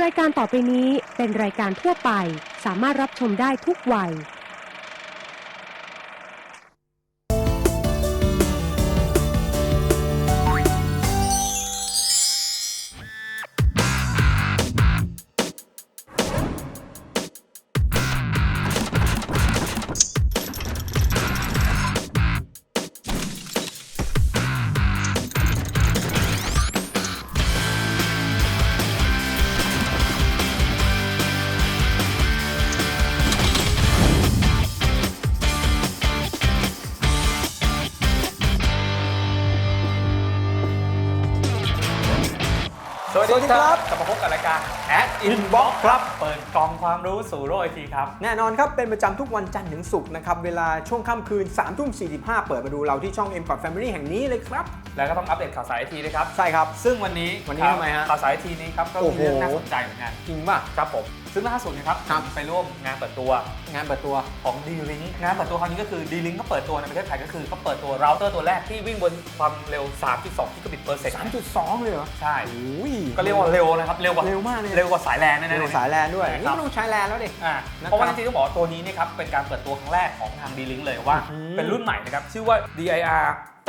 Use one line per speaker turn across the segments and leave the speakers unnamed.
รายการต่อไปนี้เป็นรายการทั่วไปสามารถรับชมได้ทุกวัย
สวัสดีครับกลับมาพบกับรายการ Ad Inbox ครับเปิดกล่องความรู้สู่โลกไอทีครับ
แน่นอนครับเป็นประจำทุกวันจันทร์ถึงศุกร์นะครับเวลาช่วงค่ำคืน 3:45 เปิดมาดูเราที่ช่อง M Code Family แห่งนี้เลยครับ
แล้วก็ต้องอัปเดตข่าวสารไอทีด้วยครับ
ใช่ครับ
ซึ่งวันนี้
ทำไมฮะ
ข่าวสารไอทีนี้ครับก็มีเรื่องน่าสนใจเหมือนกัน
จริงป่ะ
ครับผมซึ่งล่าสุดนะครับไปร่วมงานเปิดตัวของ D-Link งานเปิดตัวครั้งนี้ก็คือ D-Link ก็เปิดตัวในประเทศไทยก็คือเขาเปิดตัวเราเตอร์ตัวแรกที่วิ่งบนความเร็ว 3.2 กิกะบิตเปอร์เซก
3.2 เลยเหรอ
ใช่ก็เรียกว่าเร็วนะครับเร็วมากเลยเร็วกว่าสายแลนแน่ๆ
เร็วกว่าสายแลนด้วยนี่ต้องใช้แลนแล้วดิ
เพราะว่าจริงๆต้องบอกตัวนี้นะครับเป็นการเปิดตัวครั้งแรกของทาง D-Link เลยว่าเป็นรุ่นใหม่นะครับชื่อว่า DIR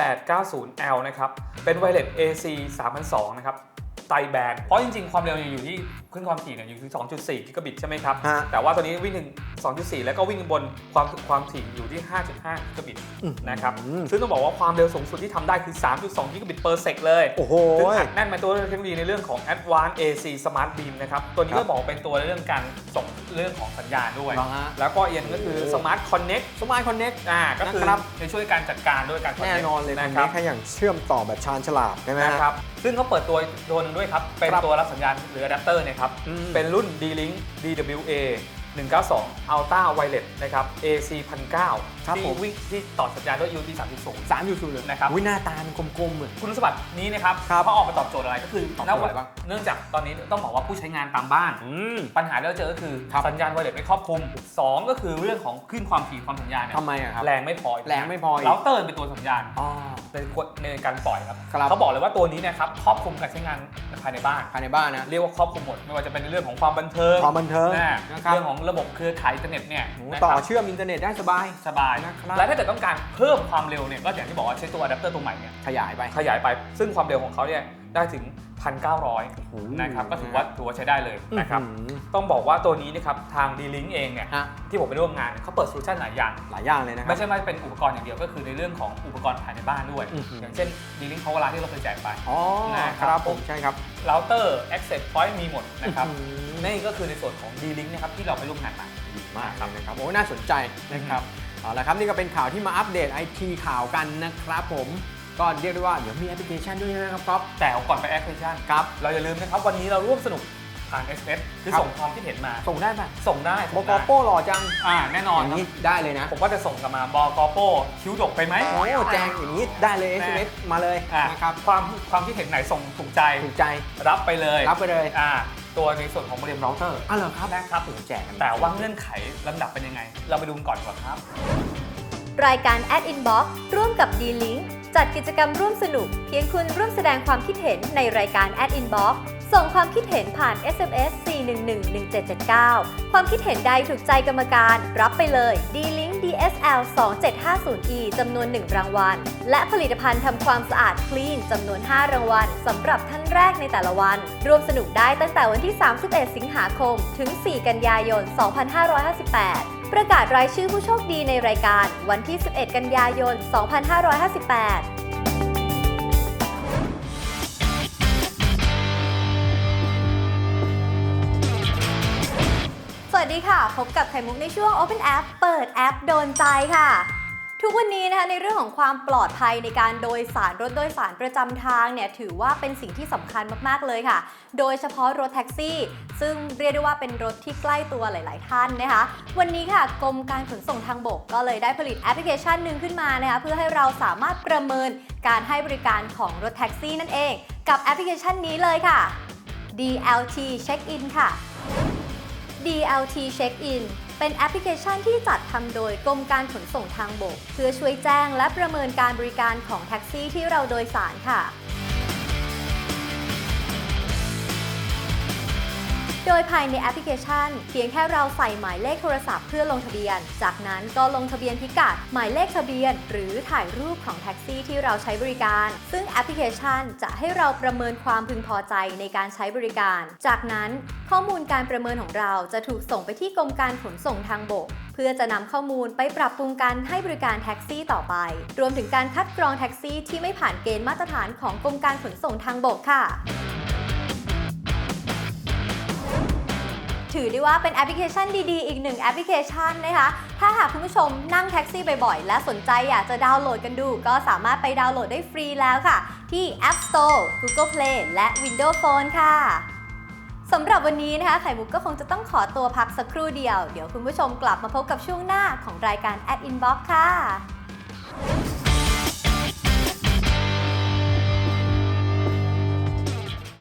890L นะครับเป็นไวเลส AC 3002นะครับไตแบนเพราะจริงๆความเร็วอยู่ที่ขึ้นความถี่เนี่ยอยู่ที่ 2.4 กิกะบิตใช่ไหมครับแต่ว่าตัวนี้วิ่งถึง 2.4 แล้วก็วิ่งบนความถี่อยู่ที่ 5.5 กิกะบิตนะครับซึ่งต้องบอกว่าความเร็วสูงสุดที่ทำได้คือ 3.2 กิกะบิตเปอร์เซกเลย
โอ้โห
ซึ่งอัดแน่นมาตัวเทคโนโลยีในเรื่องของ Advanced AC Smart Beam นะครับตัวนี้ก็บอกเป็นตัวเรื่องการส่งเรื่องของสัญญาณด้วยแล้วก็อีกก็คือ Smart Connect ก็คือจะช่วยการจัดการด้วยการ
แน่นอนเลยนะครับแค่อย่างเชื่อมต่อแบบชาญฉลาดใช่ไหม
ครับซึ่งเขาเปิดตัวนึงด้วยครับเป็นตัวรับสัญญาณหรืออะแดปเตอร์นะครับเป็นรุ่น D-Link DWA 192 Ultra Wireless นะครับ AC 1009ที่วิ่งที่ต่อสัญญาณด้วย UT 3.0
เลย
นะครับ
หน้าตามันกลมๆเหมือน
คุณสมบัตินี้นะครับเขาออกมาตอบโจทย์อะไรก็คือเนื่องจากตอนนี้ต้องบอกว่าผู้ใช้งานตามบ้านปัญหาที่เราเจอก็คือสัญญาณไวเลสไม่ครอบคลุม2ก็คือเรื่องของคลื่นความถี่ความสัญญาณเนี่ย
ทำไมครับ
แรงไม่พอเราเติร์นเป็นตัวสัญญาณเป็นกฎในการปล่อยครับเขาบอกเลยว่าตัวนี้นะครับครอบคลุมการใช้งานภายในบ้านนะเรียกว่าครอบคลุมหมดไม่ว่าจะเป็นในเรื่องของความบันเทิงเรื่องของระบบเครือข่ายอินเทอร์เน็ตเนี่ย
ต่อเชื่อมอินเทอร์เน็ตได้สบาย
และถ้าเกิดต้องการเพิ่มความเร็วเนี่ยก็อย่างที่บอกว่าใช้ตัวอะแดปเตอร์ตัวใหม่เนี่ย
ขยาย
ไปซึ่งความเร็วของเขาเนี่ยได้ถึง 1,900 นะครับก็ถือว่าใช้ได้เลยนะครับต้องบอกว่าตัวนี้นะครับทาง D-Link เองเนี่ยที่ผมไปร่วมงานเขาเปิดโซลูชันหลายอย่าง
เลยนะครับ
ไม่ใช่ว่าเป็นอุปกรณ์อย่างเดียวก็คือในเรื่องของอุปกรณ์ภายในบ้านด้วยอย่างเช่น D-Link Power Line ที่เราเคยแจกไป
นะครับผมใช่ครับ
เราเตอร์ Access Point มีหมดนะครับนี่ก็คือในส่วนของ D-Link นะครับที่เราไปร่วมงานมา
ดีมากนะครับโอ้น่าสนใจนะครับเอาละครับนี่ก็เป็นข่าวที่มาอัปเดต IT ข่าวกันนะครับผมก็เรียกได้ว่าเดี๋ยวมีแอปพลิเคชันด้วยนะครับก๊อฟ
แต่ก่อนไปแอปพลิเคชันครับเราอย่าลืมนะครับวันนี้เราร่วมสนุกผ่าน SMS คือส่งความคิดเห็นมา
ส่งได้ป่ะ
ส่งได้
บกโป้หล่อจัง
แน่นอน
อย่างนี้ได้เลยนะ
ผมว่าจะส่งกลับมาบกโป้คิ้วดกไปไหม
โอ้แจงอย่างนี้ได้เลย SMS มาเลย
นะครับความคิดเห็นไหนส่งถูกใจรับไปเลยตัวในส่วนของโมเด็มเราเตอร์
เหรอครับ
นะครับถึงแจกกันแต่ว่าเงื่อนไขลำดับเป็นยังไงเราไปดูก่อนดีกว่าครับ
รายการ Ad Inbox ร่วมกับ D-Link จัดกิจกรรมร่วมสนุกเพียงคุณร่วมแสดงความคิดเห็นในรายการ Ad Inbox ส่งความคิดเห็นผ่าน SMS 4111779 ความคิดเห็นใดถูกใจกรรมการรับไปเลย D-Link DSL 2750E จำนวน 1 รางวัลและผลิตภัณฑ์ทำความสะอาด Clean จำนวน 5 รางวัลสำหรับท่านแรกในแต่ละวันร่วมสนุกได้ตั้งแต่วันที่ 31 สิงหาคมถึง 4 กันยายน 2558ประกาศรายชื่อผู้โชคดีในรายการวันที่ 11 กันยายน 2558สวัสดีค่ะพบกับไข่มุกในช่วง Open App เปิดแอปโดนใจค่ะทุกวันนี้นะคะในเรื่องของความปลอดภัยในการโดยสารรถโดยสารประจำทางเนี่ยถือว่าเป็นสิ่งที่สำคัญมากๆเลยค่ะโดยเฉพาะรถแท็กซี่ซึ่งเรียกได้ว่าเป็นรถที่ใกล้ตัวหลายๆท่านนะคะวันนี้ค่ะกรมการขนส่งทางบกก็เลยได้ผลิตแอปพลิเคชันหนึ่งขึ้นมานะคะเพื่อให้เราสามารถประเมินการให้บริการของรถแท็กซี่นั่นเองกับแอปพลิเคชันนี้เลยค่ะ DLT Check In ค่ะ DLT Check In เป็นแอปพลิเคชันที่จัดทำโดยกรมการขนส่งทางบกเพื่อช่วยแจ้งและประเมินการบริการของแท็กซี่ที่เราโดยสารค่ะโดยภายในแอปพลิเคชันเพียงแค่เราใส่หมายเลขโทรศัพท์เพื่อลงทะเบียนจากนั้นก็ลงทะเบียนพิกัดหมายเลขทะเบียนหรือถ่ายรูปของแท็กซี่ที่เราใช้บริการซึ่งแอปพลิเคชันจะให้เราประเมินความพึงพอใจในการใช้บริการจากนั้นข้อมูลการประเมินของเราจะถูกส่งไปที่กรมการขนส่งทางบกเพื่อจะนำข้อมูลไปปรับปรุงการให้บริการแท็กซี่ต่อไปรวมถึงการคัดกรองแท็กซี่ที่ไม่ผ่านเกณฑ์มาตรฐานของกรมการขนส่งทางบกค่ะถือได้ว่าเป็นแอปพลิเคชันดีๆอีกหนึ่งแอปพลิเคชันนะคะถ้าหากคุณผู้ชมนั่งแท็กซี่บ่อยๆและสนใจอยากจะดาวน์โหลดกันดูก็สามารถไปดาวน์โหลดได้ฟรีแล้วค่ะที่ App Store Google Play และ Windows Phone ค่ะสำหรับวันนี้นะคะไข่มุกก็คงจะต้องขอตัวพักสักครู่เดียวเดี๋ยวคุณผู้ชมกลับมาพบกับช่วงหน้าของรายการ Ad Inbox ค่ะ